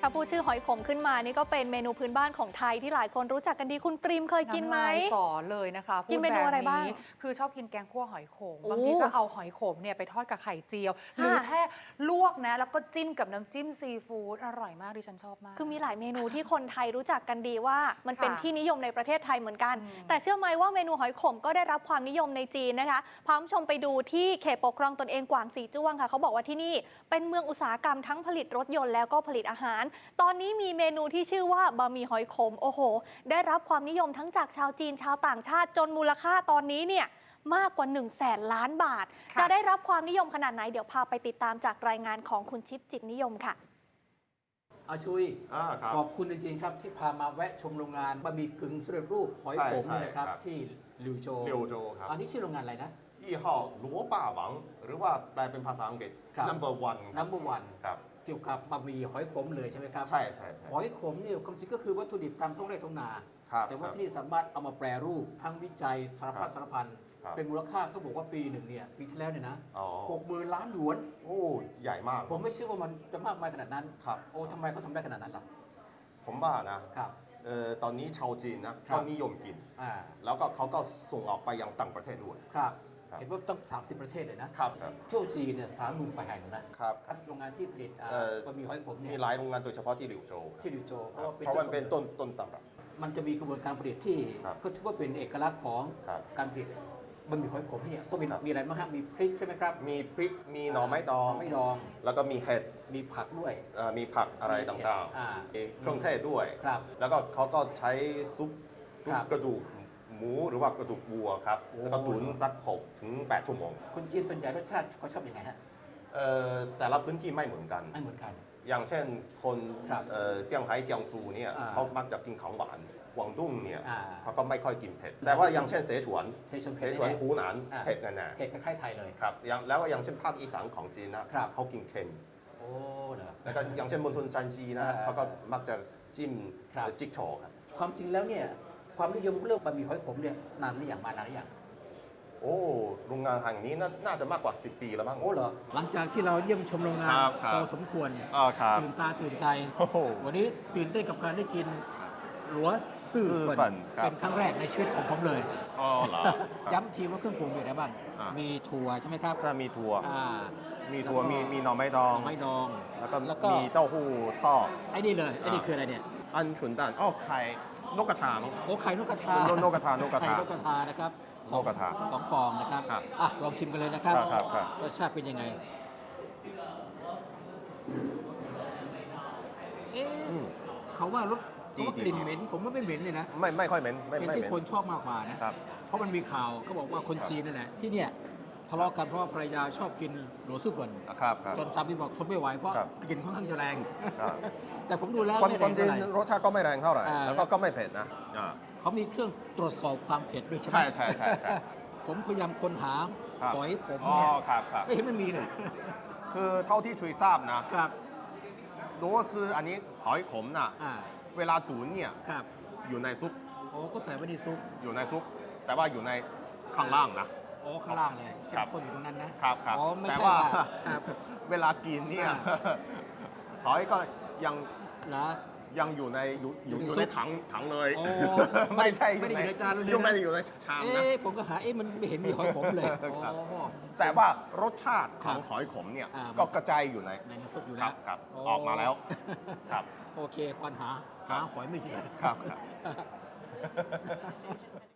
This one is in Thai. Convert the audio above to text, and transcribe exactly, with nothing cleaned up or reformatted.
ถ้าพูดชื่อหอยขมขึ้นมานี่ก็เป็นเมนูพื้นบ้านของไทยที่หลายคนรู้จักกันดีคุณปริมเคยกินไหมสอนเลยนะคะกินเมนูอะไรบ้างคือชอบกินแกงคั่วหอยขมบางทีก็เอาหอยขมเนี่ยไปทอดกับไข่เจียวหรือแค่ลวกนะแล้วก็จิ้มกับน้ำจิ้มซีฟู้ดอร่อยมากดิฉันชอบมากคือมีหลายเมนูที่คนไทยรู้จักกันดีว่ามันเป็นที่นิยมในประเทศไทยเหมือนกันแต่เชื่อไหมว่าเมนูหอยขมก็ได้รับความนิยมในจีนนะคะพาคุณผู้ชมไปดูที่เขตปกครองตนเองกวางสีจ้วงค่ะเขาบอกว่าที่นี่เป็นเมืองอุตสาหกรรมทั้งผลิตรถยนต์แล้วก็ผลิตอาหารตอนนี้มีเมนูที่ชื่อว่าบะหมี่หอยขมโอ้โหได้รับความนิยมทั้งจากชาวจีนชาวต่างชาติจนมูลค่าตอนนี้เนี่ยมากกว่าหนึ่งแสนล้านบาทจะได้รับความนิยมขนาดไหนเดี๋ยวพาไปติดตามจากรายงานของคุณชิปจิตนิยมค่ะอาชุยขอบคุณจริงๆครับที่พามาแวะชมโรงงานบะหมี่กึ่งสำเร็จรูปหอยขมนี่นะครับที่ลิวโจลิวโจครับอันนี้ชื่อโรงงานอะไรนะยี่ห้อหลัวป่าหวังหรือว่าแปลเป็นภาษาอังกฤษ number one number one ครับเกี่ยวกับบะหมี่หอยขมเลยใช่ไหมครับใช่ใช่หอยขมเนี่ยความจริงก็คือวัตถุดิบตามท้องไร่ท้องนาแต่ว่าที่นี่สามารถเอามาแปรรูปทั้งวิจัยสารพัดสารพันเป็นมูลค่าเขาบอกว่าปีหนึ่งเนี่ยปีที่แล้วเนี่ยนะหกหมื่นล้านหยวนโอ้ใหญ่มากผมไม่เชื่อว่ามันจะมากมายขนาดนั้นครับโอ้ทำไมเขาทำได้ขนาดนั้นล่ะผมว่านะครับเอ่อตอนนี้ชาวจีนนะก็นิยมกินแล้วก็เขาก็ส่งออกไปยังต่างประเทศด้วยครับเห็นว่าต้องสามสิบประเทศเลยนะครับเที่ยวจีนเนี่ยสามหมื่นกว่าแห่งนะครับโรงงานที่ผลิตบะหมี่หอยขมเนี่ยมีหลายโรงงานโดยเฉพาะที่ลิวโจที่ลิวโจเพราะเพราะมันเป็นต้นต้นตำรับมันจะมีกระบวนการผลิตที่ก็ถือว่าเป็นเอกลักษณ์ของการผลิตบะหมี่หอยขมเนี่ยก็มีมีอะไรบ้างฮะมีพริกใช่ไหมครับมีพริกมีหน่อไม้ดองไม่ดองแล้วก็มีเห็ดมีผักด้วยมีผักอะไรต่างๆมีเครื่องเทศด้วยแล้วก็เขาก็ใช้ซุปซุปกระดูกหมูหรือว่ากระดูกวัวครับแล้วก็ตุ๋นสักหกถึงแปดชั่วโมงคนจีนส่วนใหญ่รสชาติเขาชอบยังไงฮะแต่ละพื้นที่ไม่เหมือนกันไม่เหมือนกันอย่างเช่นคนเซี่ยงไฮ้เจียงซูเนี่ยเขามักจะกินของหวานกวางตุ้งเนี่ยเขาก็ไม่ค่อยกินเผ็ดแต่ว่าอย่างเช่นเสฉวนเสฉวนเสฉวนหูหนานเผ็ดแน่ๆเผ็ดคล้ายๆไทยเลยครับแล้วอย่างเช่นภาคอีสานของจีนนะเขากินเค็มโอ้เหรอแล้วก็อย่างเช่นมณฑลซานจีนะเขาก็มักจะจิ้มจิ๊กโฉครับความจริงแล้วเนี่ยความนิยมเรื่องบะหมี่หอยขมเนี่ยนานหรือยังมานานหรือยังโอ้โรงงานแห่งนี้น่าจะมากกว่าสิบปีแล้วมั้งโอ้เหรอหลังจากที่เราเยี่ยมชมโรงงานพอสมควรตื่นตาตื่นใจวันนี้ตื่นเต้นกับการได้กินหลัวซื่อฝันเป็นครั้งแรกในชีวิตของผมเลยอ๋อเหรอย้ำทีว่าเครื่องปรุงอยู่ไหนบ้างมีถั่วใช่ไหมครับใช่มีถั่วมีถั่วมีมีหน่อไม้ดองไม้ดองแล้วก็มีเต้าหู้ทอดไอ้นี่เลยไอ้นี่คืออะไรเนี่ยอันฉุนตันอ๋อไข่นกกระทาโอ้ไข่นกกระทานกกระทานกกระทานกกระทานะครับนกกระทาสองฟองนะครับอ่ะลองชิมกันเลยนะครับรสชาติเป็นยังไงเอ๊ะเขาว่ารสเขากลิ่นเหม็นผมว่าไม่เหม็นเลยนะไม่ไม่ค่อยเหม็นเป็นที่คนชอบมากกว่านะเพราะมันมีข่าวเขาบอกว่าคนจีนนั่นแหละที่เนี่ยทะเลาะกันเพราะภรรยาชอบกินหลัวซื่อเฟินจนสามีบอกทนไม่ไหวเพราะกลิ่นค่อนข้างจะแรงแต่ผมดูแล้วไม่แรงเท่าไหร่รสชาติก็ไม่แรงเท่าไหร่แล้วก็ไม่เผ็ดนะเขามีเครื่องตรวจสอบความเผ็ดด้วยใช่ไหมใช่ใช่ใช่ผมพยายามค้นหาหอยขมเนี่ยไม่เห็นมันมีเลยคือเท่าที่ช่วยทราบนะครับ如果是อันนี้หอยขมน่ะเวลาตุ๋นเนี่ยอยู่ในซุปโอ้ก็ใส่ไว้ในซุปอยู่ในซุปแต่ว่าอยู่ในข้างล่างนะโอ้ข้างล่างเลยเข้มข้นอยู่ตรงนั้นนะครับครับแต่ว่าเวลากินเนี่ยหอยก็ยังนะยังอยู่ในอยู่อยู่ในถังถังเลยไม่ใช่ไม่ได้อยู่ในจานเลยนะไม่ได้อยู่ในชามนะเอ๊ะผมก็หาเอ๊ะมันไม่เห็นมีหอยขมเลยแต่ว่ารสชาติของหอยขมเนี่ยก็กระจายอยู่ในในน้ำซุปอยู่แล้วครับออกมาแล้วครับโอเคควรหาหาหอยไม่เจอครับ